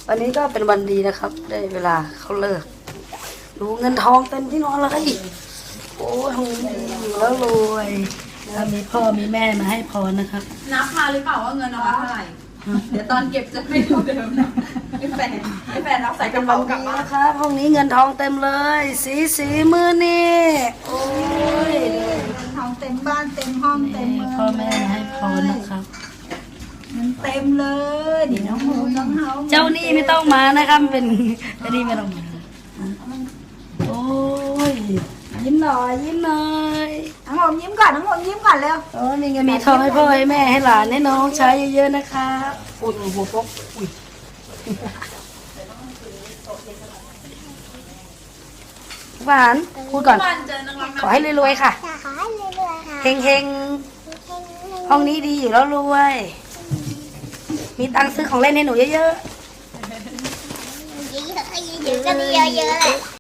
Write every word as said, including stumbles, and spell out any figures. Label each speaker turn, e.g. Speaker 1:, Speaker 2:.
Speaker 1: วันนี้ก็เป็นวันดีนะครับ ได้เวลาเขาเลิกดูเงินทองเต็มที่นอนเลยโอ้ยอยู่แล้วรวยแล้วมีพ่อมีแม่มาให้พรนะครับ
Speaker 2: นับมาหรือเปล่าว่าเงินเอามาเท่าไหร่ เดี๋ยวตอนเก็บจะไม่เท่าเดิมนะไม่แฟนไม่แฟนรับใส่กระ
Speaker 1: วั
Speaker 2: เป๋าน กลับ
Speaker 1: นี้
Speaker 2: บ้าน
Speaker 1: นะครับห้องนี้เงินทองเต็มเลย สีสีมือนี่โอ้ย
Speaker 3: ทองเต็มบ้านเต็มห้องเต็มเมือง
Speaker 1: พ่อแม่มาให้พรนะครับ
Speaker 3: มันเต็มเลยนี่น้องโฮมน้องเฮา
Speaker 1: เจ้านี่ไม่ต้องมานะครับเป็นเจ้านี่ไม่ต้องมาโอ้ยยิ้มหน่อยยิ้มหน่อย
Speaker 3: น้องโฮมยิ้มก่อนน้องโฮมยิ้มก่อนเร็ว
Speaker 1: โอ้ยมีเงินมีทองให้พ่อให้แม่ให้หลานให้น้องใช้เยอะๆนะครับอุ้ยหัวปกอุ้ยหวานพูดก่อน
Speaker 2: วันเจอนักร้อง
Speaker 1: ขอให้รวยๆค่ะ
Speaker 4: จะขอให้รวยๆค่ะ
Speaker 1: เฮงๆห้องนี้ดีอยู่แล้วรวย มีตังค์ซื้อของเล่นให้หนูเยอะๆ
Speaker 4: เยอะๆเยอะๆก็ดีเยอะๆแหละ